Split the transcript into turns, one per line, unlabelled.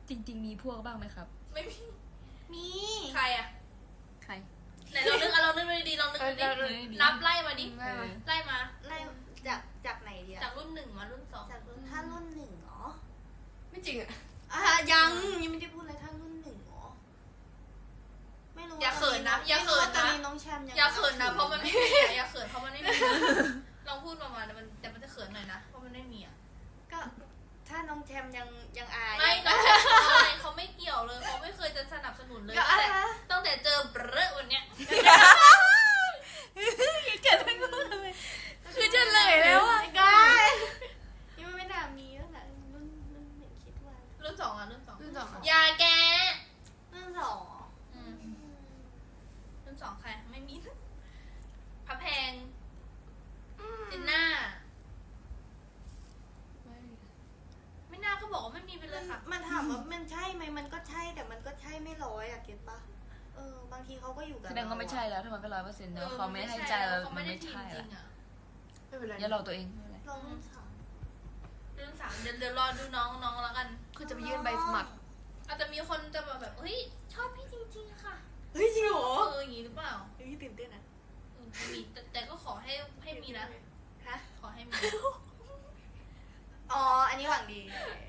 จริงๆมีพวกบ้างไหมครับ
ไม่มี
มี
ใครอะ
ใคร
ไหนลองนึกดีๆลองนึกดินับไล่มาดิ ไล่มา
ไล่จากไหนดีอะ
จากรุ่น 1มารุ่น 2
จากรุ่นถ้ารุ่นหนึ่งเหรอ
ไม่จริงอ่ะ
ยังไม่ได้พูดเลยถ้ารุ่นหนึ่งเหรอไม่รู้
อย่าเขินนะอย่าเขิน
ตอน
นะ
นี้น้องแชมป์ยัง
อย่าเขินนะเพราะมันไม่มีอะอย่าเขินเพราะมันไม่มีลองพูดประมาณแต่มันจะเขินหน่อยนะเพราะมันไม่มีอะ
ก็ถ้าน้องแชมป์ยังอาย
ไม่น้องแชมป์อะไรเขาไม่เกี่ยวเลยเขาไม่เคยจะสนับสนุนเลย
ก็อะไร
ตั้งแต่เจอเบรอวันเนี้ย
เกิดไม่รู้เลยคือจะเลยแล้วอ่ะ
ก็ยังไม่น่ามีแล้วนะรุ่นหนึ่งคิดว่า
รุ่น 2อะรุ่น 2
รุ่นสองอะ
อย่าแก
รุ่นสองเหรอ
รุ่น 2ใครไม่มีพระแพงจินน่าไม่น่าก็บอกว่าไม่มีไปเลยค่ะ
มันถามว่ามันใช่ไหมมันก็ใช่แต่มันก็ใช่ไม่ร้อยอะเก็ตปะบางทีเขาก็อยู่กับ
แสดงว่าไม่ใช่แล้วถ้ามันไม่100%เนอะเขาไม่ให้ใจเรา
เขา
มั
ไม่
น
ได้
ไม่
ทีม
ใช่
จริ
ละ
งอะ
ไม่เป็นไร
อย่าหลอกตัวเองไม่เป็นไร
ลองรุ่นสาม
รุ่น 3เดี๋ยวรอดูน้องแล้วกัน
คือจะไปยื่นใบสมัคร
อาจจะมีคนจะมาแบบเฮ้ยชอบพี่จริงๆค่ะ
เฮ้ยจริงเหรอ
อย่างนี้หรือเปล่า
เฮ้ยตื่นเต้นอะ
มีแต่ก็ขอให้มีนะ
ฮะ
ขอให้มี
อ๋ออันนี้หวังดี